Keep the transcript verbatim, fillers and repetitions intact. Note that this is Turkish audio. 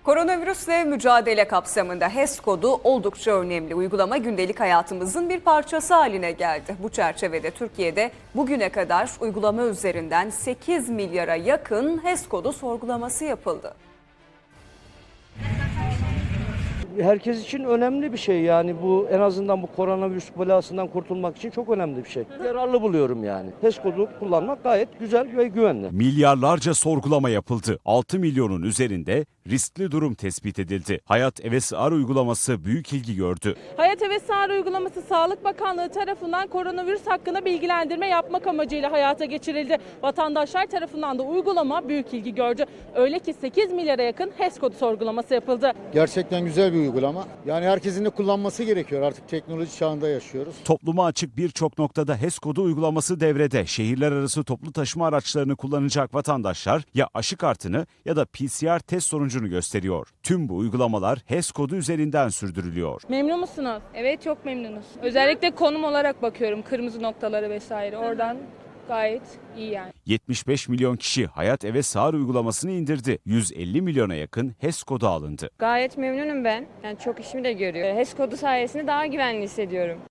Koronavirüsle mücadele kapsamında HES kodu oldukça önemli. Uygulama gündelik hayatımızın bir parçası haline geldi. Bu çerçevede Türkiye'de bugüne kadar uygulama üzerinden sekiz milyara yakın HES kodu sorgulaması yapıldı. Herkes için önemli bir şey, yani bu en azından bu koronavirüs belasından kurtulmak için çok önemli bir şey. Yararlı buluyorum yani. HES kodu kullanmak gayet güzel ve güvenli. Milyarlarca sorgulama yapıldı. altı milyonun üzerinde riskli durum tespit edildi. Hayat E V S R uygulaması büyük ilgi gördü. Hayat E V S R uygulaması Sağlık Bakanlığı tarafından koronavirüs hakkında bilgilendirme yapmak amacıyla hayata geçirildi. Vatandaşlar tarafından da uygulama büyük ilgi gördü. Öyle ki sekiz milyara yakın HES kodu sorgulaması yapıldı. Gerçekten güzel bir uygulama. Yani herkesin de kullanması gerekiyor. Artık teknoloji çağında yaşıyoruz. Topluma açık birçok noktada HES kodu uygulaması devrede. Şehirler arası toplu taşıma araçlarını kullanacak vatandaşlar ya aşı kartını ya da P C R test sonucunu gösteriyor. Tüm bu uygulamalar HES kodu üzerinden sürdürülüyor. Memnun musunuz? Evet, çok memnunuz. Özellikle konum olarak bakıyorum, kırmızı noktaları vesaire. Oradan gayet iyi yani. yetmiş beş milyon kişi Hayat E V S R uygulamasını indirdi. yüz elli milyona yakın HES kodu alındı. Gayet memnunum ben. Yani çok işimi de görüyor. HES kodu sayesinde daha güvenli hissediyorum.